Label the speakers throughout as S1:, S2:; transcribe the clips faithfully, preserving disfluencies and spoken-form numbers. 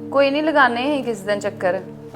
S1: कोई नहीं लगाने ही किस दिन चक्कर।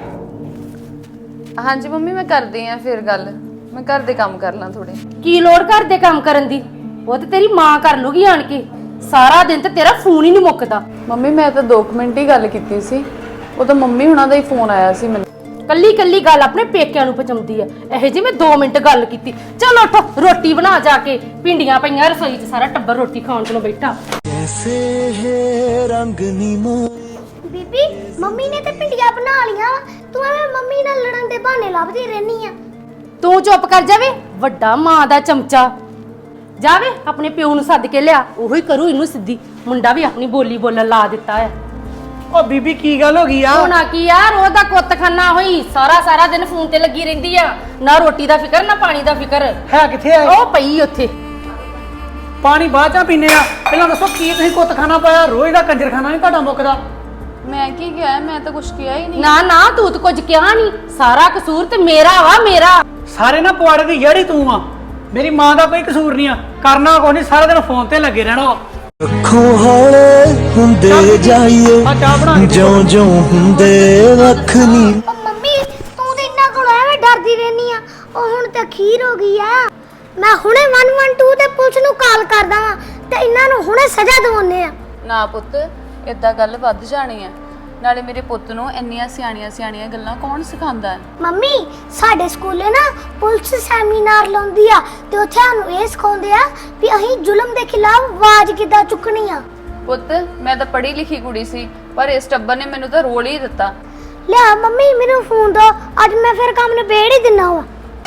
S1: हाँ जी मम्मी मैं कर दी है फिर गल, मैं घर दे काम कर ला थोड़े।
S2: की लोड़ घर दे काम करन दी, वो ते तेरी मां कर लूगी आन के। सारा दिन ते तेरा फोन ही नहीं मुकदा।
S1: मम्मी मैं तो दो मिनट ही गल कीती सी, वो तो मम्मी हुणां दा ही फोन आया सी मैनूं।
S2: कल्ली कल्ली गल अपने पेकिਆਂ ਨੂੰ ਪਚਾਉਂਦੀ ਆ। ਇਹ ਜੀ ਮੈਂ दो मिनट गल कीती। चल उठ रोटी बना जाके, भिंडियां पईयां रसोई च, सारा टब्बर रोटी खाण को बैठा।
S3: कैसे है रंग नीमा
S4: बीबी मम्मी ने ते भिंडियां बना लिया, तू एवें मम्मी नाल लड़न दे बहाने लभदी रहनी आ।
S2: तू चुप कर जावे, ਵੱਡਾ ਮਾਂ ਦਾ ਚਮਚਾ। जावे अपने प्यो ਨੂੰ सद के लिया, ਉਹੀ करू ਇਹਨੂੰ ਸਿੱਧੀ। ਮੁੰਡਾ ਵੀ ਆਪਣੀ ਬੋਲੀ ਬੋਲਣ ਲਾ ਦਿੱਤਾ ਹੈ।
S5: ओ बीबी की गल हो गई आ?
S2: ਹੋਣਾ ਕੀ ਯਾਰ, ਉਹਦਾ ਕੁੱਤ ਖਾਨਾ ਹੋਈ, ਸਾਰਾ ਸਾਰਾ ਦਿਨ ਫੋਨ ਤੇ ਲੱਗੀ ਰਹਿੰਦੀ ਆ। ਨਾ ਰੋਟੀ ਦਾ ਫਿਕਰ ਨਾ ਪਾਣੀ ਦਾ ਫਿਕਰ।
S5: है किथे है?
S2: ਉਹ ਪਈ ਉੱਥੇ।
S5: पानी बाद च पीने आ, पहला दसो की तुसीं कुत्त खाना पाया? रोज दा कंजर खाना नहीं ਤੁਹਾਡਾ ਮੁੱਕਦਾ।
S1: मैं की किया है, मैं तो कुछ किया ही नहीं।
S2: ਨਾ ਨਾ ਤੂੰ ਤਾਂ ਕੁਝ ਕਿਹਾ ਨਹੀਂ, ਸਾਰਾ ਕਸੂਰ ਤੇ ਮੇਰਾ ਵਾ, ਮੇਰਾ।
S5: ਸਾਰੇ ਨਾ ਪਵਾੜੇ ਦੀ ਜੜੀ ਤੂੰ ਆ, ਮੇਰੀ ਮਾਂ ਦਾ ਕੋਈ ਕਸੂਰ ਨਹੀਂ ਆ। ਕਰਨਾ ਕੋਈ ਨਹੀਂ, ਸਾਰਾ ਦਿਨ ਫੋਨ ਤੇ ਲੱਗੇ ਰਹਿਣਾ।
S3: ਅੱਖੋਂ ਹੌਲੇ ਹੁੰਦੇ ਜਾਈਏ
S5: ਆ ਚਾਹ ਬਣਾ ਕੇ
S3: ਜਿਉਂ ਜਿਉਂ ਹੁੰਦੇ ਵੱਖ ਨੀ।
S4: ओ मम्मी तू ते इन्ना कोल एवें डरदी रहनी आ, ओ हुण ते खीर हो गई आ। मैं हुणे वन वन टू ते पुलिस ਨੂੰ ਕਾਲ ਕਰਦਾ ਵਾਂ ਤੇ ਇਹਨਾਂ ਨੂੰ ਹੁਣੇ ਸਜ਼ਾ ਦਿਵਾਉਣੇ ਆ।
S1: ਨਾ ਪੁੱਤ ਇਦਾਂ ਗੱਲ ਵੱਧ ਜਾਣੀ ਹੈ, ਨਾਲੇ ਮੇਰੇ ਪੁੱਤ ਨੂੰ ਇੰਨੀਆਂ ਸਿਆਣੀਆਂ ਸਿਆਣੀਆਂ ਗੱਲਾਂ ਕੌਣ ਸਿਖਾਉਂਦਾ ਹੈ।
S4: ਮੰਮੀ ਸਾਡੇ ਸਕੂਲੇ ਨਾ ਪੁਲਿਸ ਸੈਮੀਨਾਰ ਲਾਉਂਦੀ ਆ ਤੇ ਉੱਥੇ ਸਾਨੂੰ ਇਹ ਸਿਖਾਉਂਦੇ ਆ ਵੀ ਅਸੀਂ ਜ਼ੁਲਮ ਦੇ ਖਿਲਾਫ ਆਵਾਜ਼ ਕਿੱਦਾਂ ਚੁੱਕਣੀ ਆ।
S1: ਪੁੱਤ ਮੈਂ ਤਾਂ ਪੜ੍ਹੀ ਲਿਖੀ ਕੁੜੀ ਸੀ, ਪਰ ਇਸ ਟੱਬਰ ਨੇ ਮੈਨੂੰ ਤਾਂ ਰੋਲ ਹੀ ਦਿੱਤਾ।
S4: ਲਿਆ ਮੰਮੀ ਮੈਨੂੰ ਫੋਨ ਦੋ, ਅੱਜ ਮੈਂ ਫਿਰ ਕੰਮ ਨਿਬੇੜ ਹੀ ਦਿੰਨਾ ਵਾ।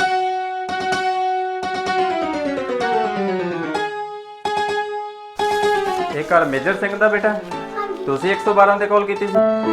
S6: ਇਹ ਘਰ ਮੇਜਰ ਸਿੰਘ ਦਾ ਬੇਟਾ? ਤੁਸੀਂ ਇੱਕ ਸੌ ਬਾਰਾਂ ਤੇ ਕਾਲ ਕੀਤੀ ਸੀ?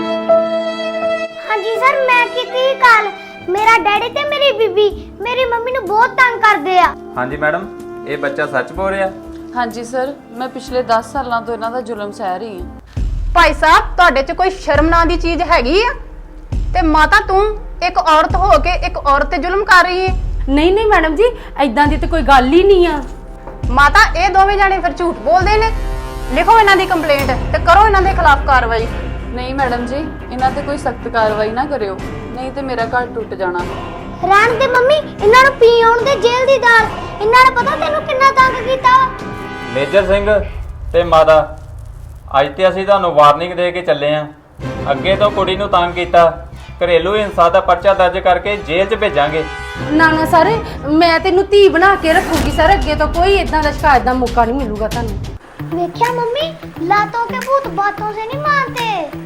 S4: ਹਾਂਜੀ ਸਰ ਮੈਂ ਕੀਤੀ ਕਾਲ। ਮੇਰਾ ਡੈਡੀ ਤੇ ਮੇਰੀ ਬੀਬੀ ਮੇਰੀ ਮੰਮੀ ਨੂੰ ਬਹੁਤ ਤੰਗ ਕਰਦੇ ਆ।
S6: ਹਾਂਜੀ ਮੈਡਮ, ਇਹ ਬੱਚਾ ਸੱਚ ਬੋਲ ਰਿਹਾ?
S1: ਹਾਂਜੀ ਸਰ, ਮੈਂ ਪਿਛਲੇ दस ਸਾਲਾਂ ਤੋਂ ਇਹਨਾਂ ਦਾ ਜ਼ੁਲਮ ਸਹਿ ਰਹੀ ਹਾਂ।
S7: ਭਾਈ ਸਾਹਿਬ ਤੁਹਾਡੇ 'ਚ ਕੋਈ ਸ਼ਰਮ ਨਾਂ ਦੀ ਚੀਜ਼ ਹੈਗੀ ਆ? ਤੇ ਮਾਤਾ ਤੂੰ ਇੱਕ ਔਰਤ ਹੋ ਕੇ ਇੱਕ ਔਰਤ ਤੇ ਜ਼ੁਲਮ ਕਰ ਰਹੀ ਹੈ।
S2: ਨਹੀਂ ਨਹੀਂ ਮੈਡਮ ਜੀ, ਐਦਾਂ ਦੀ ਤੇ ਕੋਈ ਗੱਲ ਹੀ ਨਹੀਂ ਆ।
S7: ਮਾਤਾ ਇਹ ਦੋਵੇਂ ਜਾਣੇ ਫਿਰ ਝੂਠ ਬੋਲਦੇ ਨੇ। ਲਿਖੋ ਇਹਨਾਂ ਦੀ ਕੰਪਲੇਂਟ ਤੇ ਕਰੋ ਇਹਨਾਂ ਦੇ ਖਿਲਾਫ ਕਾਰਵਾਈ।
S1: ਨਹੀਂ ਮੈਡਮ ਜੀ, ਇਹਨਾਂ ਤੇ ਕੋਈ ਸਖਤ ਕਾਰਵਾਈ ਨਾ ਕਰਿਓ, ਨਹੀਂ ਤੇ ਮੇਰਾ ਘਰ ਟੁੱਟ ਜਾਣਾ।
S4: ਰਹਿਣ ਦੇ ਮੰਮੀ, ਇਹਨਾਂ ਨੂੰ ਪੀ ਆਉਣ ਦੇ ਜੇਲ੍ਹ ਦੀ ਦਾਲ। ਇਹਨਾਂ ਨੇ ਪਤਾ ਤੈਨੂੰ ਕਿੰਨਾ ਤੰਗ ਕੀਤਾ।
S6: ਮੇਜਰ ਸਿੰਘ ਤੇ ਮਾਤਾ, ਅੱਜ ਤੇ ਅਸੀਂ ਤੁਹਾਨੂੰ ਵਾਰਨਿੰਗ ਦੇ ਕੇ ਚੱਲੇ ਆਂ। ਅੱਗੇ ਤੋਂ ਕੁੜੀ ਨੂੰ ਤੰਗ ਕੀਤਾ, ਘਰੇਲੂ ਹਿੰਸਾ ਦਾ ਪਰਚਾ ਦਰਜ ਕਰਕੇ ਜੇਲ੍ਹ 'ਚ ਭੇਜਾਂਗੇ।
S2: ਨਾ ਨਾ ਸਰ, ਮੈਂ ਤੈਨੂੰ ਧੀ ਬਣਾ ਕੇ ਰੱਖੂਗੀ ਸਰ। ਅੱਗੇ ਤੋਂ ਕੋਈ ਇਦਾਂ ਦਾ ਸ਼ਿਕਾਇਤ ਦਾ ਮੌਕਾ ਨਹੀਂ ਮਿਲੂਗਾ ਤੁਹਾਨੂੰ।
S4: देखा मम्मी, लातों के भूत बातों से नहीं मानते।